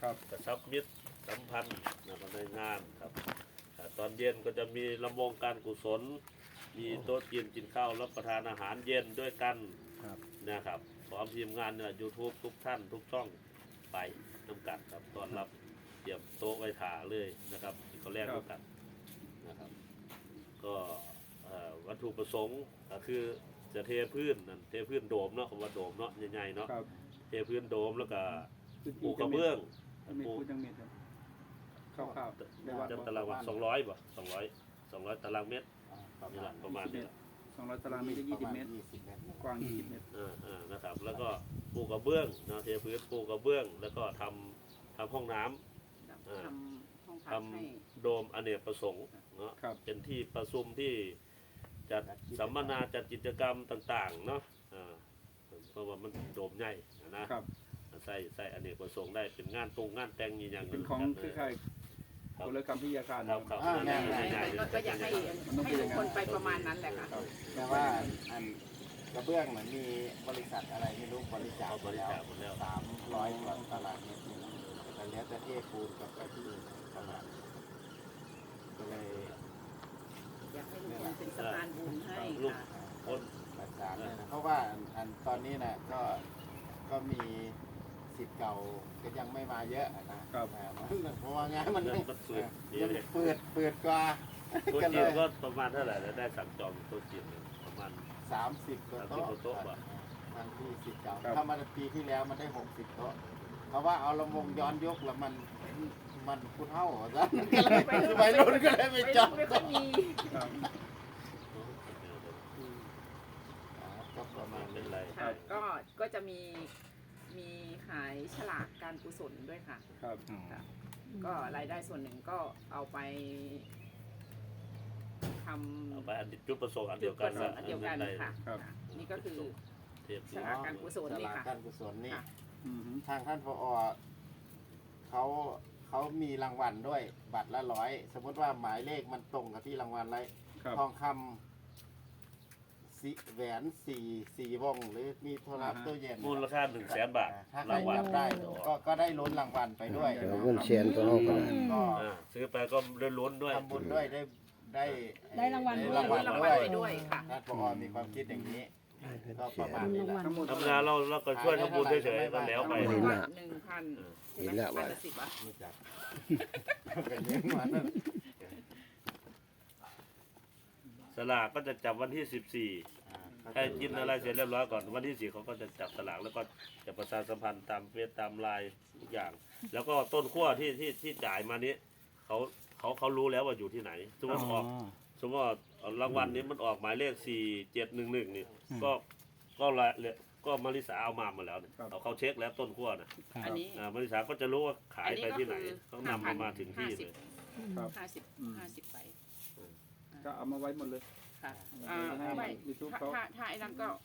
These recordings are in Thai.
กระชับมิตรสัมพันธ์นะครับในงานครับตอนเย็นก็จะมีลำวงการกุศลมีโต๊ะจีนกินข้าวรับประทานอาหารเย็นด้วยกันนะครับพร้อมทีมงานเนี่ยยูทูบทุกท่านทุกช่องไปน้ำกันครับตอนรับเตรียมโต๊ะไว้ถ่าเลยนะครับเขาแรกด้วยกันนะครับก็วัตถุประสงค์ก็คือจะเทพื้นนั่นเทพื้นโดมเนาะคำว่าโดมเนาะใหญ่ๆเนาะเทพื้นโดมแล้วก็ปูกระเบื้องปูจังเม็ดคร่าวๆจะตารางวัด200ป่ะ200ตารางเมตรนี่แหละประมาณนี้ 200 ตารางเมตร20 เมตรกว้าง20 เมตรนะครับแล้วก็ปูกระเบื้องนะเทพื้นปูกระเบื้องแล้วก็ทำห้องน้ำทำโดมอเนกประสงค์เนาะเป็นที่ประชุมที่จัดสัมมนาจัดกิจกรรมต่างๆเนาะเพราะว่ามันโดมใหญ่นะใส่อเนกประสงค์ได้เป็นงานแต่งอย่างเป็นของคือใครคนละคำพิยาการครับก็อยากให้ทุกคนไปประมาณนั้นแหละค่ะแต่ว่าอันกระเบื้องเหมือนมีบริษัทอะไรไม่รู้บริจาคไปแล้ว300 กว่าตารางเมตรแต่แล้วจะเทปูนกับกระที่ประมาณก็เลยอยากให้ทุกคนเป็นสะพานบุญให้ค่ะคนประสานเพราะว่าอันตอนนี้นะก็มีสิทธิ์เก่าก็ยังไม่มาเยอะนะครับเพราะว่างานมันยังเปิดกว่าตัวจีนก็ประมาณเท่าไหร่แล้วได้สั่งจองตัวจีนประมาณ 30 โต๊ะทางที่สิทธิ์เก่าถ้ามาปีที่แล้วมันได้60 โต๊ะเพราะว่าเอาลำวงย้อนยกแล้วมันพูดเท่าซะไปรุ่นก็เลยไม่จองก็มีก็ประมาณนี้เลยก็จะมีขายฉลากการกุศลด้วยค่ะก็รายได้ส่วนหนึ่งก็เอาไปทำเอาไปจุดประสงค์อันเดียวกันค่ะนี่ก็คือฉลากการกุศลนี่ค่ะการกุศลนี่ทางท่านผอ.เขามีรางวัลด้วยบัตรละ100สมมติว่าหมายเลขมันตรงกับที่รางวัลไรทองคำแหวน4 วงหรือมีโทรศัพท์ตู้เย็นมูลค่า100,000 บาทถ้าใครจับได้ก็ได้ลุ้นรางวัลไปด้วยเงินเชียนตัวเราก็ซื้อไปก็ได้ลุ้นด้วยทำบุญด้วยได้รางวัลด้วยค่ะท่านผอ.มีความคิดอย่างนี้ก็ประมาณนี้แหละธรรมดาเราก็ช่วยทำบุญเฉยๆก็แล้วไป 1,000 เห็นแล้วว่าไม่จับเป็นเรื่องมันสลากก็จะจับวันที่14ให้กินอะไรเสร็จเรียบร้อยก่อนวันที่4เขาก็จะจับสลากแล้วก็จะประชาสัมพันธ์ตามเฟซตามไลน์ทุกอย่างแล้วก็ต้นขั้วที่จ่ายมานี้เขารู้แล้วว่าอยู่ที่ไหนสมมติว่ารางวัลนี้มันออกหมายเลข4711นี่ก็มาริสาเอามาแล้วเนี่ยเขาเช็คแล้วต้นขั้วนะมาริสาก็จะรู้ว่าขายไปที่ไหนเขานำมาถึงที่เลย 50ไปก็เอามาไว้หมดเลยค่ะถ้าไอ้นั่นก็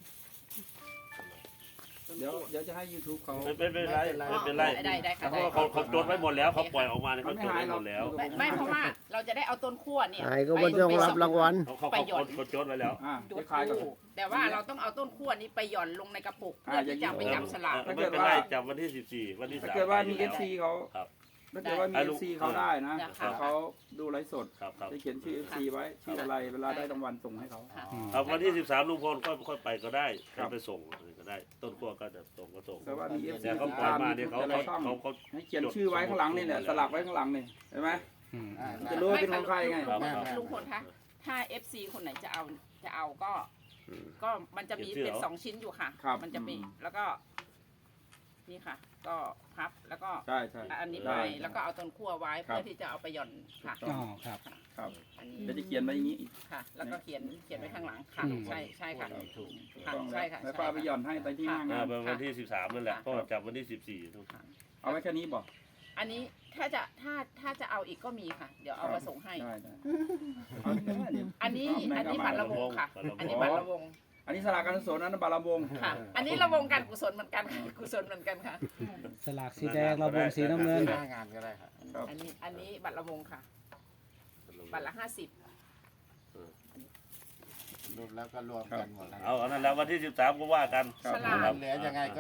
เดี๋ยวจะให้ YouTube เขาไม่เป็นไรเขาจดไว้หมดแล้วเขาปล่อยออกมาเนี่ยเขาจดไว้หมดแล้วไม่เพราะว่าเราจะได้เอาต้นขั้วเนี่ยไอ้ก็ไม่ต้องรับรางวัลเขาจดไว้แล้วแต่ว่าเราต้องเอาต้นขั้วนี้ไปหย่อนลงในกระปุกเพื่อที่จะไปจับฉลากไม่เป็นไรจับวันที่14วันที่3 ถ้าเกิดว่ามี FC เขาถ้าเกิดว่ามี FC เขาได้นะเขาดูไลฟ์สดจะเขียนชื่อ FC ไว้ชื่ออะไรเวลาได้รางวัลส่งให้เขาวันที่13ลุงพลค่อยไปก็ได้ไปส่งก็ได้ต้นขั้วก็จะส่งก็ส่งแต่ว่ามี FC เขาปล่อยมาเนี่ยเขาให้เขียนชื่อไว้ข้างหลังนี่เนี่ยสลักไว้ข้างหลังนี่เห็นไหมจะรู้ว่าเป็นของใครไงลุงพลคะถ้า FC คนไหนจะเอาก็มันจะมีเป็น2 ชิ้นอยู่ค่ะมันจะมีแล้วก็นี่ค่ะก็พับแล้วก็อันนี้ไปแล้วก็เอาต้นขั้วไว้เพื่อที่จะเอาไปหย่อนค่ะครับอันนี้จะเขียนไว้อย่างนี้ค่ะแล้วก็เขียนไว้ข้างหลังค่ะใช่ค่ะถูกใช่ค่ะแล้วป้าไปหย่อนให้ไปที่งานวันที่13นั่นแหละก็จับวันที่14 เอาไว้แค่นี้บอกอันนี้ถ้าจะเอาอีกก็มีค่ะเดี๋ยวเอามาส่งให้อันนี้บัตรระวงค่ะอันนี้บัตรระวงอันนี้สลากการกุศลนั้นบาลำวงค่ะอันนี้ระวงการกุศลเหมือนกันกุศลเหมือนกันค่ะสลากสีแดงระวงสีน้ำเงินงานก็ได้ครับอันนี้บัตรระวงค่ะบัตรละ50 รวมแล้วก็รวมกันหมดเอาอันนั้นแล้ววันที่13ก็ว่ากันเหลือยังไงก็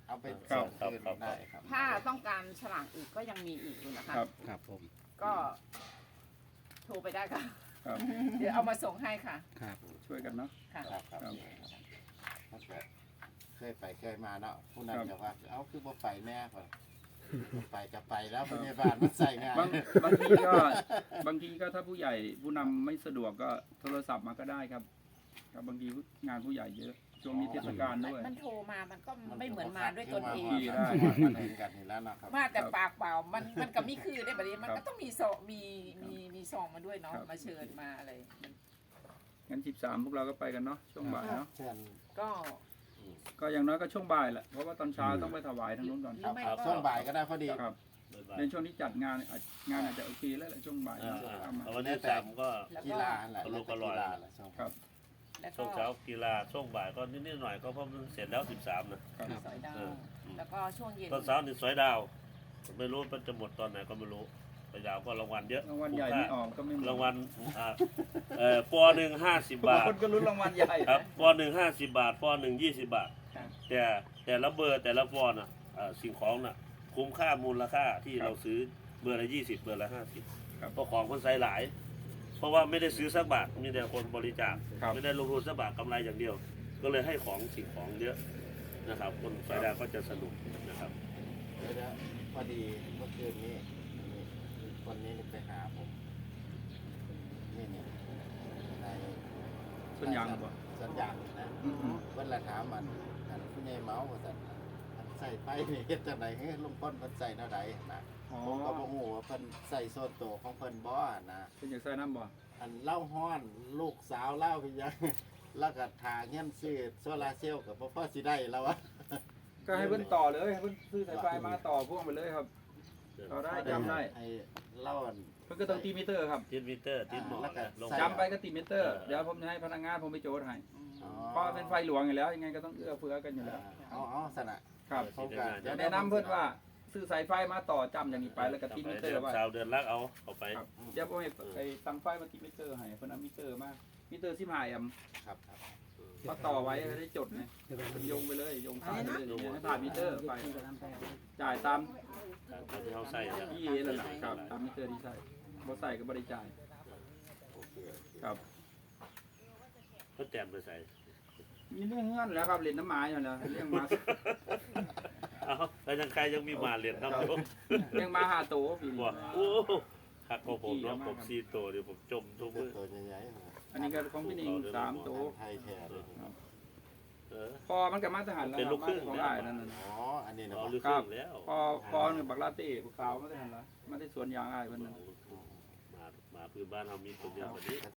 เอาไปครับส่งคืนได้ครับถ้าต้องการฉลากอีกก็ยังมีอีกอยู่นะคะครับครับผมก็โทรไปได้ค่ะครับเดี๋ยวเอามาส่งให้ค่ะครับช่วยกันเนาะค่ะครับครับครับถ้าเกิดเคยไปเคยมาเนาะผู้นั้นจะว่าเอาคือบ่ไปแน่ก่อนไปก็ไปแล้วพยาบาลมันใส่งานบางทีก็บางทีก็ถ้าผู้ใหญ่ผู้นำไม่สะดวกก็โทรศัพท์มาก็ได้ครับครับบางทีงานผู้ใหญ่เยอะช่วงนี้เทศกาลด้วยมันโทรมามันก็ไม่เหมือนมาด้วยตนเองได้มันเองกันนี่แล้วนะครับมาแต่ปากเปล่ามันก็ไม่คือได้แบบนี้มันก็ต้องมีซองมีซองมาด้วยเนาะมาเชิญมาอะไรมันงั้น13พวกเราก็ไปกันเนาะช่วงบ่ายเนาะเชิญก็ก็อย่างน้อยก็ช่วงบ่ายแหละเพราะว่าตอนเช้าต้องไปถวายทางนู้นก่อนครับครับช่วงบ่ายก็ได้พอดีครับบ๊ายบายในช่วงที่จัดงานงานอาจจะโอเคแล้วแหละช่วงบ่ายอ่าเอามาๆวันที่3ก็แล้วกีก็ฬาแหละอารมณ์อร่อยกีฬาแหละช่วงครับแล้วช่ก็วงเช้ากีฬาช่วงบ่ายก็นิดๆหน่อยๆก็เพราะมันเสร็จแล้ว13นะครับสอยดาวเออแล้วก็ช่วงเย็นตอนเช้านี่สวยดาวไม่รู้มันจะหมดตอนไหนก็ไม่รู้สวยดาวก็รางวัลเยอะรางวัลใหญ่ไม่ออกก็ไม่หมดรางวัลปอหนึ่ง50 บาทคนก็ลุ้นรางวัลใหญ่ครับปอหนึ่ง50 บาทปอหนึ่ง20 บาทครับแต่ละเบอร์แต่ละปอน่ะสิ่งของน่ะคุ้มค่ามูลค่าที่เราซื้อเบอร์ละ20เบอร์ละ50 ครับเพราะของคนใส่หลาย เพราะว่าไม่ได้ซื้อสักบาทมีแต่คนบริจาคครับไม่ได้ลงทุนสักบาทกำไรอย่างเดียว ก็เลยให้ของสิ่งของเยอะนะครับ คนสายดาวก็จะสนุกนะครับเดี๋ยวพอดีเมื่อคืนนี้คนนี้ไปหาผมนี่ในส่วนยางหรือเปล่าสัญญาณนะอืมเพิ่นละถามมันผู้ใหญ่เมาว่าซั่นมันใส่ไฟนี่เฮ็ดจังได๋เฮ้ยลุงป้นเพิ่นใส่แนวใดนะอ๋อผมก็บ่ฮู้ว่าเพิ่นใส่โซนโตวของเพิ่นบ่นะเป็นอย่างใส่น้ำบ่อันเล่าฮ้อนลูกสาวเล่าไปยัง แล้วก็ทาเงินซื้อโซลาร์เซลล์ก็บ่พอสิได้แล้ววะก็ให้เพิ่นต่อเลยให้เพิ่นซื้อสายไฟมาต่อพ่วงไปเลยครับ ต่อได้จำได้ให้เล่าอันเพิ่นก็ต้องตีมิเตอร์ครับติดมิเตอร์ติดหมอแล้วก็ลงใส่จำไปก็ตีมิเตอร์เดี๋ยวผมจะให้พนักงานผมไปโจทย์ให้อ๋อเพราะเป็นไฟหลวงอยู่แล้วยังไงก็ต้องเอื้อเฟื้อกันอยู่แล้วเอาสนะครับ ผมก็จะแนะนำเพิ่นว่าซื้อสายไฟมาต่อจำอย่างนี้ไปแล้วก็ตีมิเตอร์ไว้ชาวเดือนลักเอาเข้าไปครับเดี๋ยวผมให้ไอ้ตั้งไฟมาตีมิเตอร์ให้เพิ่นเอามิเตอร์มามิเตอร์15แอมป์ครับก็ต่อไว้ให้ได้จดไงโยงไปเลยโยงสายไปเลยอย่างเงี้ยให้ผ่านมิเตอร์ไปจ่ายตามที่เขาใส่นะที่นั่นแหละครับตามมิเตอร์ที่ใส่บ่ใส่ก็บ่ได้จ่ายครับเขาแจมไปใส่มีเรื่องเงื่อนแล้วครับเล่นน้ำหมาอยู่แล้วเลี้ยงหมาเอาแล้วยังใครยังมีหมาเหรียญน้ำอยู่เลี้ยงหมา5ตัวปีนี้ว่าโอ้หักของผมเนาะผม4ตัวเดี๋ยวผมจมทุกมือตัวใหญ่ๆอันนี้ก็ของพี่นิง3ตัวไทยแท้เลยเออพอมันก็มาทหารแล้วเป็นลูกครึ่งของอ้ายนั่นน่ะอ๋ออันนี้นะเอาลึกแล้วพอเนี่ยบักลาเต้บักขาวมาได้ทหารละมาได้สวนยางอ้ายเพิ่นนั่นมาพื้นบ้านเรามีตัวเดียวแบบนี้